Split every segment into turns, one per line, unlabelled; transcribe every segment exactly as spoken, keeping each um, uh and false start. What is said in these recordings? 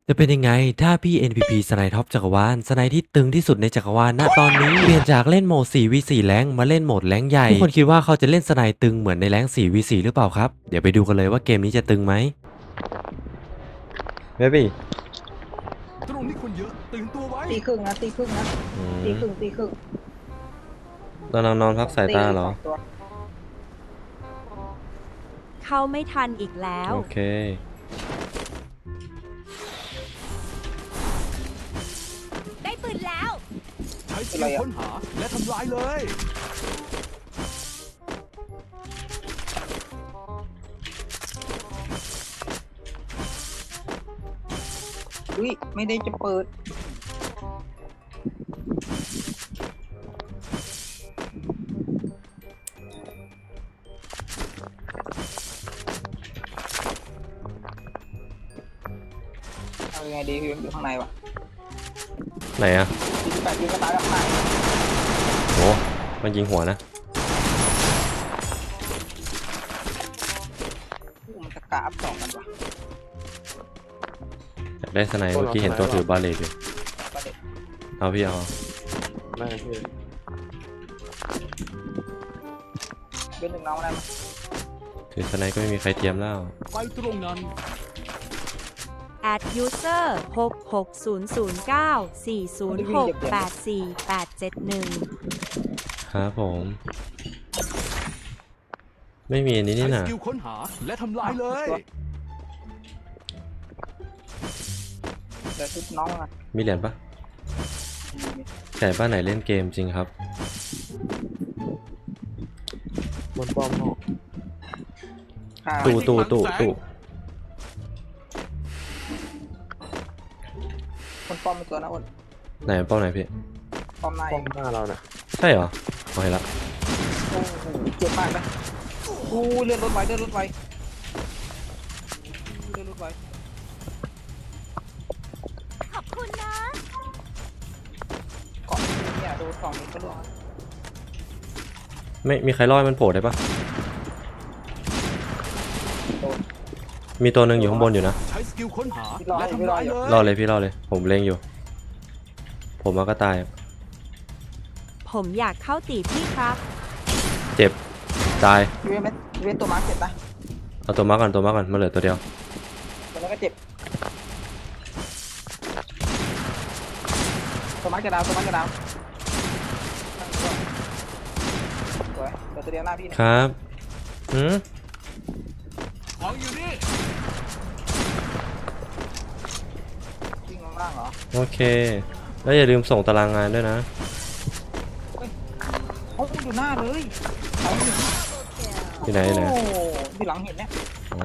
จะเป็นยังไงถ้าพี่ เอ็น พี พี สไนท็อปจักรวาลสไนที่ตึงที่สุดในจักรวาลณตอนนี้เปลี่ยนจากเล่นโหมด สี่ วี สี่ แรงค์มาเล่นโหมดแรงค์ใหญ่ทุกคนคิดว่าเขาจะเล่นสไนตึงเหมือนในแรงค์ สี่ วี สี่ หรือเปล่าครับเดี๋ยวไปดูกันเลยว่าเกมนี้จะตึงไหมเบบี้
ตรงนี้คนเยอะตื่นตัวไว้
ตีครึ่งนะตีครึ่งนะตีครึ่งตีครึ่ง
ตอนนอนนอนพักสายตาเหรอ
ตีสงตัว
เข้าไม่ทันอีกแล้ว
โอเค
ได้ปืนแล้ว
ใช้สกิลค้นหาและทำลายเลย
อุ้ยไม่ได้จะเปิดเอายังไงดีพี่อยู่ข้างในวะ
ไหนอะ
สี่สิบแปดยิงกระตายแล้วข้างใน
โหมันยิงหัวนะ
อู้มันตะกาอัพสองกันวะ
อยากได้สไนเมื่อกี้เห็นตัวถือบาเลตอยู่
ประเด็น
เอาพี่เอา
ไม่พี่
เป็นหนึ่งน้องได้ไหม
ถือสไนก็ไม่มีใครเทียมแล้ว
ไปตรงนั้น
add user หก หก ศูนย์ ศูนย์ เก้า สี่ ศูนย์ หก แปด สี่ แปด เจ็ด หนึ่ง
ครับผม ไม่มีอันนี้
ใช้
นี่
ส
นะ
กิลค้นหาและทำลายเลย
เดี๋ยวชุดน้องนะ
มีเหรียญปะไก่บ้านไหนเล่นเกมจริงครับ
บนป้อมห้อง
ค่ะ
ตู้ตู้ตู้ตู้
คนป้อมเป็นตัวนะอ้น
ไหนเป้าไหนพี่
ป้อมใน
ป้อมหน้าเราน่ะ
ใช่เหรอเอาเห็นละ
โอ้โหเจ็บมากนะอู้เลื่อนรถไวเลื่อนรถไวเลื่อนรถไว
ขอบคุณนะ
เกาะเนี่ยโดนสองนี้ก็ล่วง
ไม่มีใครรอดมันโผล่ได้ปะ
โดน
มีตัวหนึ่งอยู่ข้างบนอยู่นะ
ใช้สกิลค้นหา
พี่รอ
และ
อยู่พี่
ทำ
รอ
ลาย
อยู่
เลย
รอดเลยพี่รอดเลย ผมเล็งอยู่ ผมมาก็ตาย
ผมอยากเข้าตีพี่ครับ
เจ็บตาย
พี่เว้นพี่เว้นตัวมาร์คเจ็บนะ
เอาตัวมาก่อนตัวมาก่อนมาเหลือตัวเดียว
ตัวนั้นก็เจ็บตัวมาร์คจะดาวตัวมาร์คจะดาวสวยเดี๋ยวตัวเดียวหน้าพี่เนี่ย
ครับอืม
ของอยู่นี่
วิ่งลงล่างเหรอ
โอเค แล้วอย่าลืมส่งตารางงานด้วยนะ
เขาอยู่หน้าเลยเขาอยู่
ที่ไหนที่ไหน
โอ้อยู่หลังเห็นเนี่ย
อ๋อ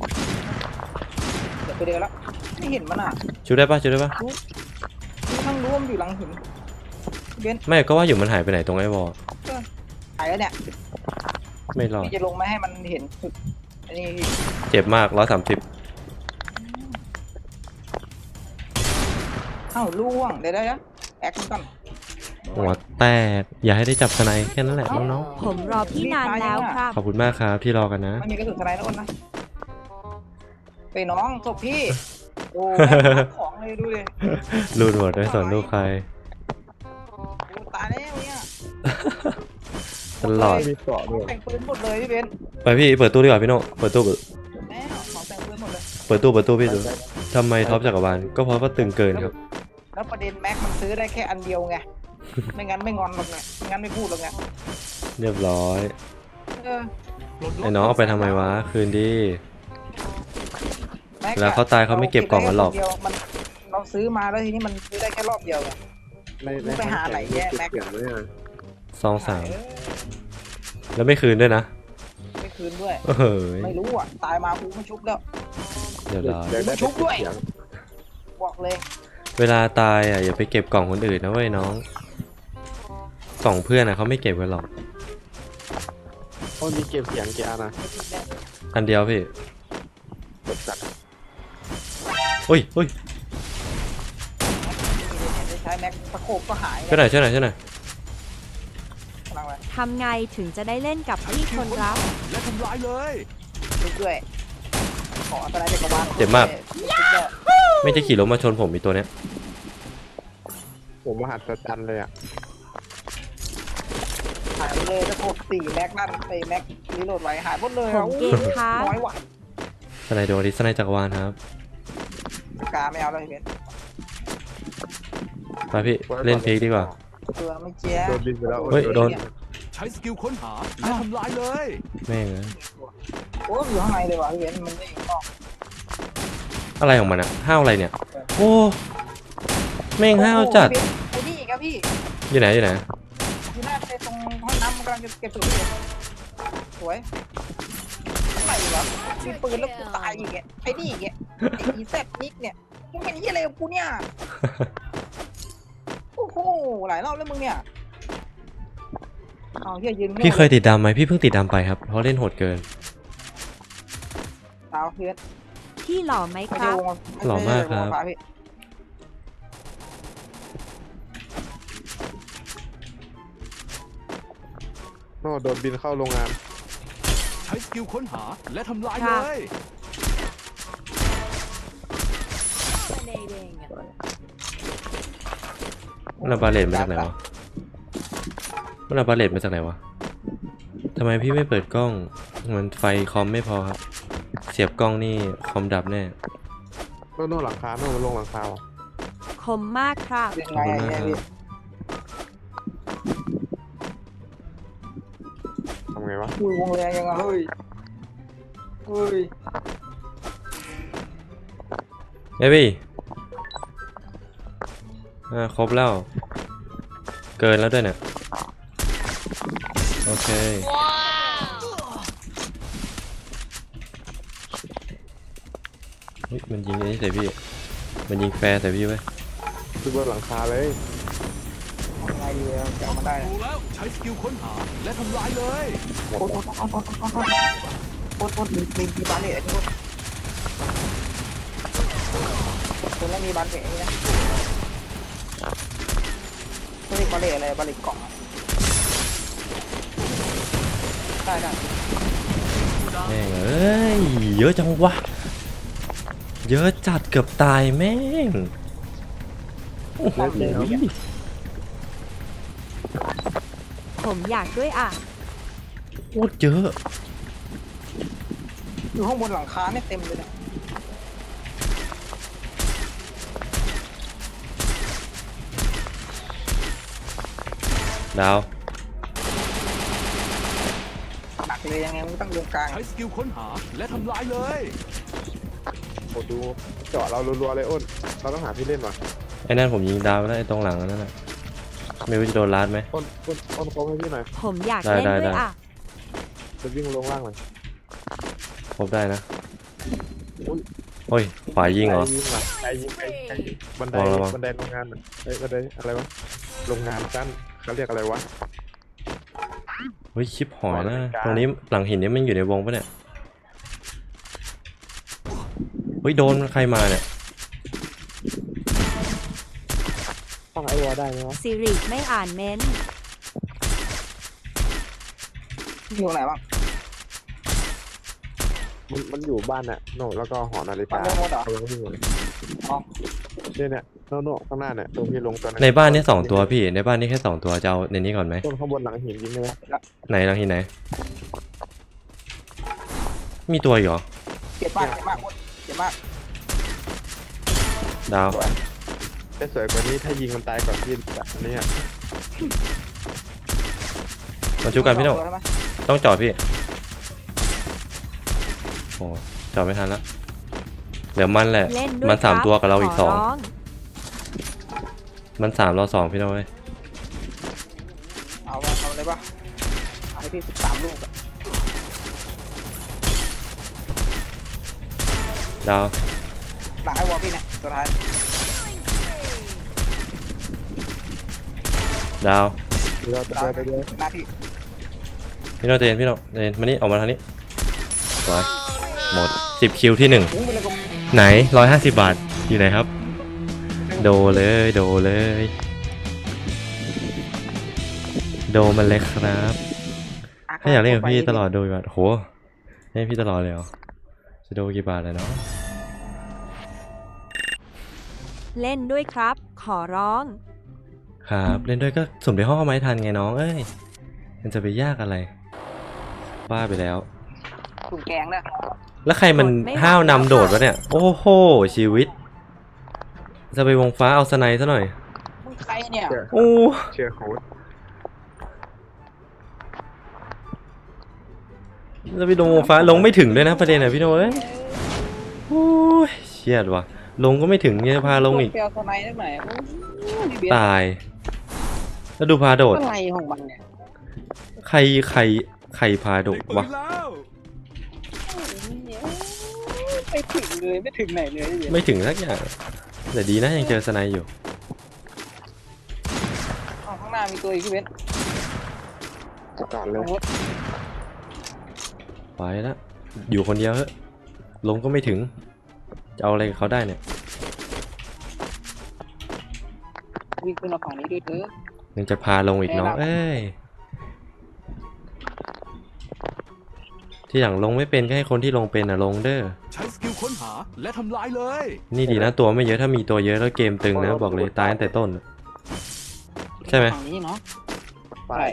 เดี๋ยวตัวเดียวแล้วไม่เห็นมันอ่ะ
ช่วยได้ปะช่วยได้ปะ
รู้รู้ทั้งรู้ว่ามันอยู่หลังหินเบน
ไม่ก็ว่าอยู่มันหายไปไหนตรงไอ้วอล
หายแล้วเนี่ย
ไม่รอด
พี่จะลงไม่ให้มันเห็นจุดอันนี้พี่
เจ็บมากร้อยสามสิบ
เอ้าล่วงเดี๋ยวได้แล้วแอคก่อน
หัวแตกอย่าให้ได้จับสไนแค่นั้นแหละน้อง
ผมรอพี่นานแล้วครับ
ๆขอบคุณมากครับที่รอกันนะ
ไม่มีกระสุนสไนด์นะอ้นนะไปน้องศพพี่โอ้ของเลยดูดิ
รูดหมดได้สอนลูกใคร
โอ้ตายแล้วเนี่ย
ตลอด
มีเกาะด้วย
แต่งปืนหมดเลยพี่เบน
ไปพี่เปิดตู้ดีกว่าพี่โน่เปิดตู้เปิด
แม่ของแต่งปืนหมดเลย
เปิดตู้เปิดตู้พี่ดูทำไมท็อปจักรวาลก็เพราะว่าตึงเกินครับ
แล้วประเด็นแม็กมันซื้อได้แค่อันเดียวไงไม่งั้นไม่งอนหรอกไงไม่งั้นไม่พูดหรอกไง
เรียบร้อย
เออ
ปลดล็ก
ไอ้น้องเอาไปทำไมวะคืนดี
แม็ก
เวลาเขาตายเขาไม่เก็บกล่องกันหรอก
เาเบได้แค่คนเดียวมันเราซื้อมาแล้วทีนี้มันซื้อได้แค่รอบเดียวไง
ในใน
ไปหาไหนแยะแม็ก
เสียงด้วยนะ
ซองสาม
เออ
แล้วไม่คืนด้วยนะ
ไม่คืนด้วย
เฮ้ย
ไม่รู้อ่ะตายมากูไม่ชุบแล้ว
เดี๋ยวร้อย
เดี๋ยวได้
ชุบด้วย
เสีง
บอกเลย
เวลาตายอ่ะอย่าไปเก็บกล่องคนอื่นนะเว้ยน้องกล่องเพื่อนอ่ะเขาไม่เก็บกันหรอก
โอ้มีเก็บเสียงกี่อันนะ
อันเดียวพี่
เก็บสัตว์
อุ้ยอุ้ย
ได้ใช้แม็กตะโขบก็หาย
ช่วยหน่อยช่วยหน่อยช่วยหน่อย
กำลังไป
ทำไงถึงจะได้เล่นกับพี่คนรับ
และทำลายเลย
ชุบด้วยขออันตรายเด็กกบาล
เจ็บมาก
ชุบด้วย
ไม่ได้ขี่รถมาชนผมมีตัวเนี้ย
ผมมหัศจรรย์เลยอ่ะ
หายไปเลยจะกดสี่แม็กนั่นไอแม็กรีโหลดไว้หายหมดเลย
ผ
อ่ะ
ม
อู้
เกมค้าง
น้อยว่ะ
สไนโดริสไนจักรวาลครับ
กาไม่เอาเลยเพื่อน
ไปพี่เล่นพีกดีกว่า
ตัวไม่เจี๊ย
โดนบินไปแล้ว
เฮ้ยโดน
ใช้สกิลค้นหาและทำลายเลย
แม่งเอ้ย
โอ้ยอยู่ข้างในเลยว่ะพี่เบนมันไม่ออก
อะไรของมันอะห้าวอะไรเนี่ยโอ้แม่งห้าวจัด
ไอ้นี่อีกครับพี่
อยู่ไหนอยู่ไหน
อยู่หน้าไปตรงห้องน้ำมันกำลังจะเก็บถุงอยู่สวยอะไรวะมีปืนแล้วกูตายอีกแกไอ้นี่อีกแกไอ้อีแซดนิกเนี่ยมึงเป็นยี่อะไรกับกูเนี่ยโอ้โหหลายรอบแล้วมึงเนี่ยเอาเฮียยืน
พี่เคยติดดำไหมพี่เพิ่งติดดำไปครับเพราะเล่นโหดเกิน
สาวเพื่อน
พี่หล่อไหม
ไม่
ค
ใช่
รับ
วง
หล่อมากครับ
ไใช่วงฟ้พี่
โน่โดนบินเข้าโรงงาน
ใช้สกิลค้นหาและทำลายเลย
มันเอาบาเลตมาจากไหนวะมันเอาบาเลตมาจากไหนวะทำไมพี่ไม่เปิดกล้องมันไฟคอมไม่พอครับ เสียบกล้องนี่คอมดับแน่
โน่โน่หลังคาโน่มันลงหลังคาว่ะ
คมมากครับ
เป็นไงไอ้เนี่ยพี่
ทำไงวะ
อุ้ยวงแรงยังไงเฮ้ยเฮ้ย
เอ้ยพี่อ่าครบแล้ว เกินแล้วด้วยเนี่ยโอเคเฮ้ยมันยิงไอ้นี่ใส่พี่ มันยิงแฟร์ใส่พี่ไว้ย
คือบนหลังคาเลย
ทำไงดีอะจะเอามาได้นะ
ดูแล้วใช้สกิลค้นหาและทำลายเลย
โคตรโคตรโคตรโคตรโคตรโคตรโคตรโคตรมีมีมีบานเลยไอ้นี่โคตรคนแล้วมีบานเก๋นะเขาเรียกบาเล่อะไรบาเล่กล่องอะได้ได้
แม่งเอ้ยเยอะจังวะเยอะจัดเกือบตายแม่งโอ้โห
ผมอยากด้วยอ่ะ
โคตรเยอะ
อยู่ข้างบนหลังคาเนี่ยเต็มเลยนะ
ดาว
หนักเลยยังไงมึงต้องลงกลาง
ใช้สกิลค้นหาและทำลายเลย
โอ้ดูเจาะเรารัวๆเลยอ้นเราต้องหาที่เล่นว่ะ
ไอ้นั่นผมยิงดาวไปแล้วไอ้ตรงหลังนั่นแหละไม่รู้จะโดนลัดไหม
อ้นอ้นอ้นโค้งให้พี่หน่อย
ผมอยาก
ได้
เล่น
ได้
ด้วย
ได้
อ่ะ
จะวิ่งลงล่างหน่อย
ครบได้นะ
อุ้ย
โอ้ยขวายิงเหรอ
ไกยิงว่ะไกยิงไกยิงไกยิงบันได
ระวังระวัง
บันไดโรงงานน่ะเอ้ยบันไดอะไรวะโรงงานกั้นเขาเรียกอะไรวะ
เฮ้ยชิปหอยนะ
ขวาเป็นกลาง
ตรงนี้หลังหินนี่มันอยู่ในวงปะเนี่ยเฮ้ยโดนใครมาเนี่ย
ต้องไอวอได้ไหมวะ
สิริไม่อ่านเม้นต์
อยู่ไหนบ้าง
มันมันอยู่บ้านน่ะโน่แล้วก็หอนาฬิ
บ้าน
กา
เรื่องมดเหรอ
เขายังวิ่งอยู่เลย
อ๋อ
เนี่ยเนี่ยโน่โน่ข้างหน้าเนี่ยตรงพี่ลงตัว
ในบ้านนี่สองตัวพี่ในบ้านนี่แค่สองตัวจะเอาในนี้ก่อนไหม
ต้นข้างบนหลังหินยิงได้ไหม
ไหนหลังหินไหน มีตัวอีกเหรอ
เจ็บมากเจ็บมากหมดเจ็บมาก
ดาว
แต่สวยกว่านี้ถ้ายิงมันตายก่อนพี่แบบนี้อ่ะ
มาชูกันพี่โน่
ใช่ไหม
ต้องจอดพี่โอ้จอดไม่ทันละเดี๋ยวมันแหละ
เล่นด้วย
มันสาม
ครับ
ตัวกับเราอีก
ข
สอง
ร้อง
มันสามเราสองพี่โน่เว้ย
เอาวะเอาเลยปะเอาให้พี่สิบสามลูกอะ
ดาว
หลังไอ้วอลพี่เนี่ยสุดท้าย
ดาว
เดี๋ยวเดี๋ยวเดี๋ยวเดี๋ยว
หน้าพี่
พี่โน่เจนพี่โน่เจนมานี่ออกมาทางนี้สวยหมดสิบคิวที่หนึ่ง
ปุ้งไปเลยก็
ไหนร้อยห้าสิบบาทอยู่ไหนครับ โดเลยโดเลย โดมันเลยครับถ้าอยากเล่นกับพี่ตลอดโดกี่บาทโหให้พี่ตลอดเลยเหรอจะโดกี่บาทเลยเนาะ
เล่นด้วยครับ ขอร้อง
ครับเล่นด้วยก็สุ่มในห้องเอาไม้ทันไงน้องเอ้ยมันจะไปยากอะไรบ้าไปแล้ว
ถุงแกงเนี่ย
แล้วใครมัน
กดไม่ไหว
ห้าวนำโดดวะเนี่ย โอ้โหชีวิต จะไปวงฟ้าเอาสไนซะหน่อย
มึงใครเนี่ย
เชื่อ
โอ้
เชื่อโค้ด
จะไปลงวงฟ้าลงไม่ถึงด้วยนะประเด็นอะพี่โน้ยโอ้ยเชียดว่ะลงก็ไม่ถึงเนี่ยพาลงอีก
เปียวสไนด์ได้ไหมโอ้ยพี่เบียร์
ตาย แล้วดูพาโดด
อะไรของมันเนี่ย
ใครใครใครพาโดด
ปื
วะ
นแล้ว
ไม่ถึงเลยไม่ถึงไหนเลยพี่เบียร์
ไม่ถึงสักอย่างแต่ดีนะยังเจอสไนอยู่
อ้าวข้างหน้ามีตัวอีกพี่เบนซ์
ประกาศเลย
โอ้ย
ไปแล้วอยู่คนเดียวเฮ้ยลงก็ไม่ถึงจะเอาอะไรกับเขาได้เนี่ย
วิ่งขึ้นมาฝั่งนี้ด้วยเถอะ
ยังจะพาลงอีกเนาะเอ้ยที่หลังลงไม่เป็นก็ให้คนที่ลงเป็นอะลงเด้อ
ใช้สกิลค้นหาและทำลายเลย
นี่ดีนะตัวไม่เยอะถ้ามีตัวเยอะแล้วเกมตึงนะบอกเลยตายตั้งแต่ต้น ใช่ไหม
ฝั่งนี้เนาะ
ไป
ใช่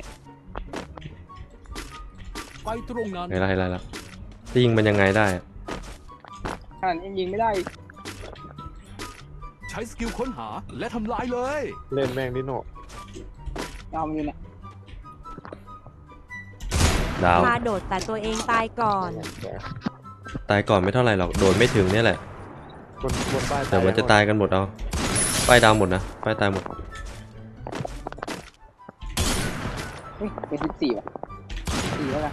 ไปตรงนั้น
ไงล่ะไงล่ะล่ะจะยิงมันยังไงได้อะ
ขนาดนี้ยิงไม่ได้
ใช้สกิลค้นหาและทำลายเลย
เล่นแม่งดิโน่
ยาวมันอยู่เนี่ย
ดาว
พาโดดแต่ตัวเองตายก่อน
ตายก่อนไม่เท่าไหร่หรอกโดนไม่ถึงเนี่ยแหละ
บนบนป้าย
แต่มันจะตายกันหมดเอาป้ายดาวหมดนะป้ายตายหมด
เฮ้ยเป็นสิบสี่ว่ะสี่แล้วกัน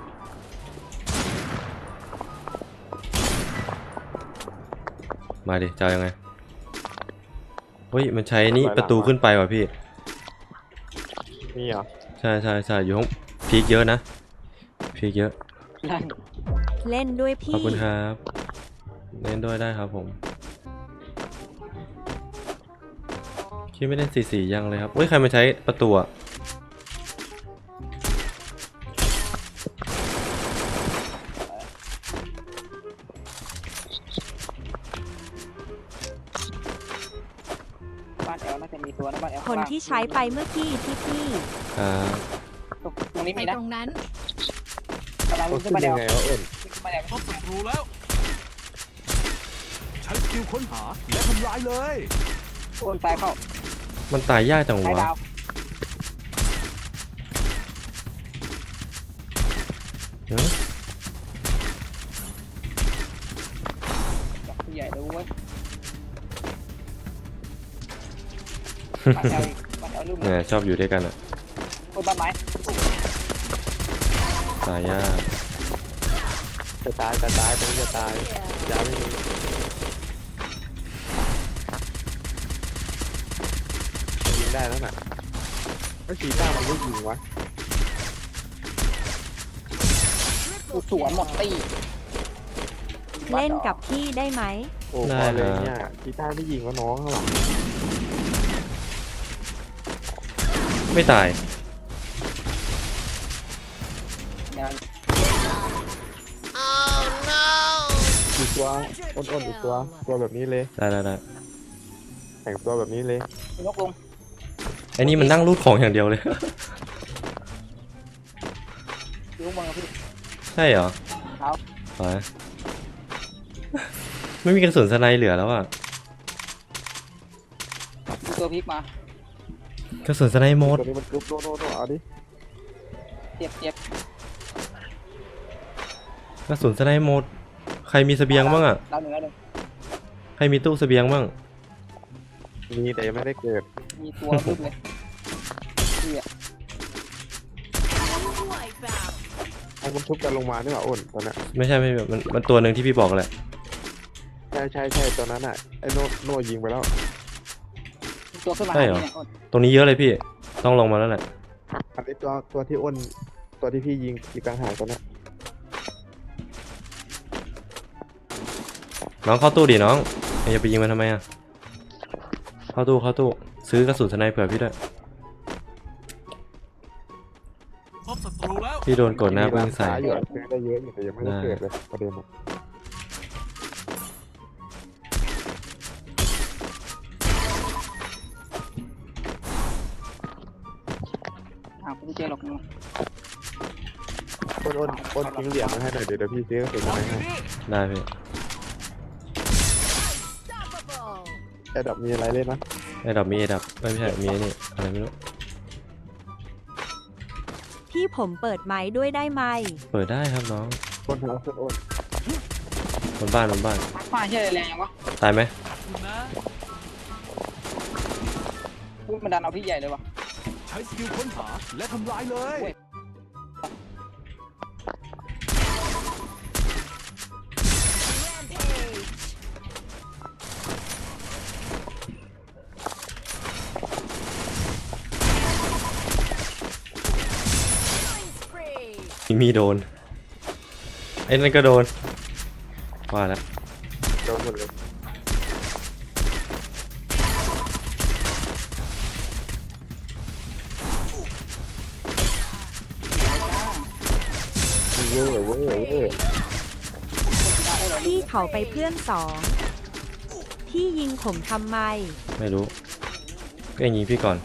มาดิจะเอายังไงเฮ้ยมันใช้นี่ประตูขึ้นไปว่ะพี่
มีเหรอ
ใช่ใช่ใช่อยู่ห้องพีคเยอะนะพีคเยอะ
นั่น
เล่นด้วย
ข
พี่
อบคุณครับเล่นด้วยได้ครับผมคิดไม่ได้สีสียังเลยครับเฮ้ยใครมาใช้ประตูอะ
บ้านแอลน่าจะมีตัวนะบ้านแอล
คนที่ใช้ไปเมื่อกี้ที่พี่
ครับ
ตรงนี้
ไป
มีนะ
ตรงนั้น
กำลัง
มั
วิ่
น
งขึ้
ขึ้
น
น
มาแอ
ยั
ล
งไงวะเอิญ
วิ่งขึ้นมาแอล
พบศัตรูแล้ว ใช้สกิลค้นหาและทำลายเลย
โอนตายเข้า
มันตายยากจัง
ตายว
ะ
ดาว
เอ้ย
จับผู้ใหญ่เลยเว้ยบ้านแอลอีกบ้านแอลลืม
เนี่ยชอบอยู่ด้วยกันอะ
โอนบ้านไม้
ตายยาก
จะตายจะตายตรงนี้จะตายยาไม่มียิงได้แล้วน่ะไอ้ชีต้ามันไม่ยิงวะ
กูสวนหมดตี
เล่นกับพี่ได้ไหม
โอ้พอเลยเนี่ยชีต้าไม่ยิงวะน้องข้างหลัง
ไม่ตาย
งาน
อีกตัวอ้นๆอีกตัวตัวแบบนี้เลย
ได้ได้ได้
แต่งตัวแบบนี้เลย
ยกลง
ไอ้นี่มันนั่งรูดของอย่างเดียวเลย
ยกบอลกับพี่
ใช่เหรอ
ครับ
ไปไม่มีกระสุนสไนเหลือแล้วอ่ะ
มีตัวพลิกมาก
ระสุนสไนหมด
ตัวนี้มันกรุ๊ปโน่โน่โน่เอาดิ
เจ็บเจ็บ
กระสุนสไนหมดใครมีเสบียงบ้างอ่ะ
ดาวหนึ่งแล้วหนึ่ง
ใครมีตู้เสบียงบ้าง
มีแต่ยังไม่ได้เกิด
มีตัวรึบเลยพี่อะ
ไอ้มันทุบกันลงมาด้วยเหรออ้นตอนนั้น
ไม่ใช่ไม่ใช่มันมันตัวหนึ่งที่พี่บอกแหละ
ใช่ใช่ใช่ตอนนั้นอ่ะไอ้โน่โน่ยิงไปแล้ว
มีตัวขึ้นมา
ใช่เหรอ
หาพี่นี่ยอ้น
ตรงนี้เยอะเลยพี่ต้องลงมาแล้วแหละ
อันนี้ตัวตัวที่อ้นตัวที่พี่ยิงอีกต่างหากตอนนั้น
น้องเข้าตู้ดิน้องอย่าไปยิงมันทำไมอ่ะเข้าตู้เข้าตู้ซื้อกระสุนสไนเผื่อพี่ด้วย
พบศัตรูแล้ว
พี่โดนกดหน้าเบื้องใส่
มีร้นค้าอยู่อะซื้อได้เยอะอยู่แต่ยังไม่ได้เกิดเลยประเด็นอะ
ากูไม่เจอหรอกมึง
อ้นอ้นอ้นทิ้งเหรียญมาให้หน่อยเดี๋ยวเดี๋ยวพี่ซื้อกระสุนมาให้
ได้พี่
ไอ้ดับมีอะไรเล่นนะ
ไอ้ดับมีไอ้ดับไม่ใช่มีไอ้นี่อะไรไม่รู้
พี่ผมเปิดไม้ด้วยได้ไหม
เปิดได้ครับน้อง
อ้นหาอ้นอ้น
บนบ้านบนบ้าน
ฟ้าเชื่ออะไรแรงยังวะ
ตายไหม
คุณนะ
พูดมันดันเอาพี่ใหญ่เลยวะ
ใช้สกิลค้นหาและทำลายเลย
มีโดนไอ้นั่นก็โดนว่าแล้ว
โดนหมดเลยเว้ยเว้ยเว้ย
พี่เขาไปเพื่อนสองพี่ยิงผมทำไม
ไม่รู้ก็ยิงพี่ก่อน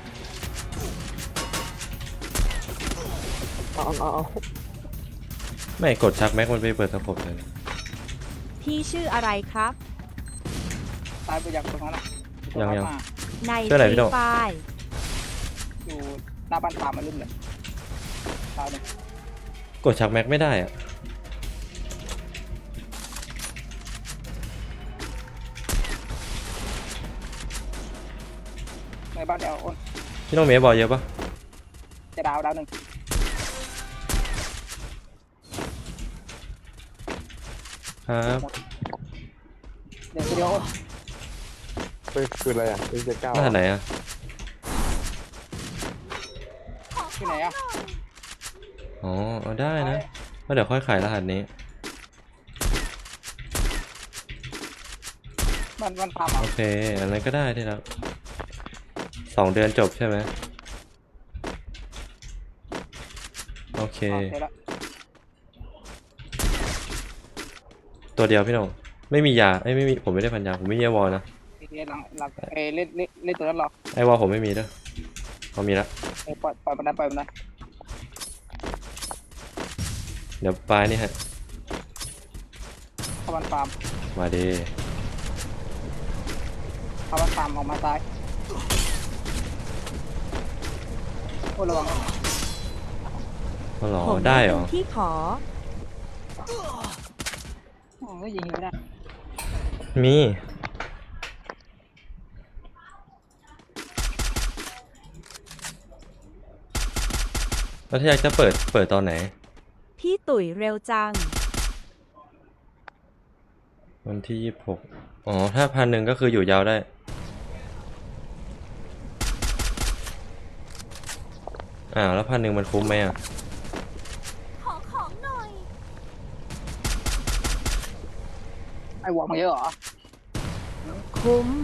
เอาเอาเอา
ไม่กดชักแม็กมันไปเปิดสะโพกเลย
พี่ชื่ออะไรครับ
ตายไปยังตรงนั้นอ่ะ
ยังยัง
ใน
ชื่ออะไรพี่โด
ไฟ
อยู่หน้าบ้านตามมาลืมเลยตายเลย
กดชักแม็กไม่ได้อะ
ในบ้านเดี๋ยวอ้น
พี่น้องเมย์บอลเยอะปะ
จะดาวดาวหนึ่ง
ครับ
เดี๋ยวเดี๋ยวอ้น
เฮ้ยคืออะไรอ่ะเอ็นเจเก้าร
หัสไหนอะ
ที่ไหนอ่ะ
อ๋อเอาได้นะก็เดี๋ยวค่อยขายรหัสนี้
มันมันตามอ่ะ
โอเคอันนั้นก็ได้ที่แล้วสองเดือนจบใช่ไหมโอเค
โอเคแล้ว
ตัวเดียวพี่น้องไม่มียาไอ้ยไม่มีผมไม่ได้พันยาผมไม่มีไอวอลนะ
เล่นหลังหลังเอเล่นเล่นเล่นตัวนั้นหรอ
ไอวอลผมไม่มีด้วยเขามีละ
เอปล่อยปล่อยมันนั้นปล่อยมันนั้น
เดี๋ยวปลายนี่ฮะ
เข้าบ้านฟาร์ม
มาดี
เข้าบ้านฟาร์มออกมาซ้ายโอ้ระวัง
ก็หรอ
ผม
ได้เหรอ
เป็นพี่ขอ
โอ้ยยิงไม่ได้
มีแล้วถ้าอยากจะเปิดเปิดตอนไหน
พี่ตุ๋ยเร็วจัง
วันที่ยี่สิบหกอ๋อถ้าพันหนึ่งก็คืออยู่ยาวได้อ้าวแล้วพันหนึ่งมันคุ้มไหมอ่ะ
ขอของหน่อย
ไอ้วอร์มเยอะเหรอ
คุ้ม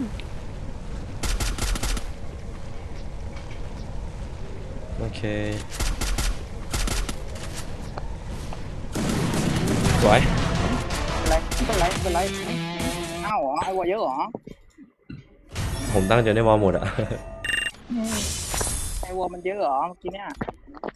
โอเคสวย
เป็นไรเป็นไรเป็นไรอ้าวเหรอไอ้วอร์เยอะเหรอ
ผมตั้งใจได้วอลหมดอ่ะ
ไอ้วอร์มันเยอะเหรอเมื่อกี้เนี่ย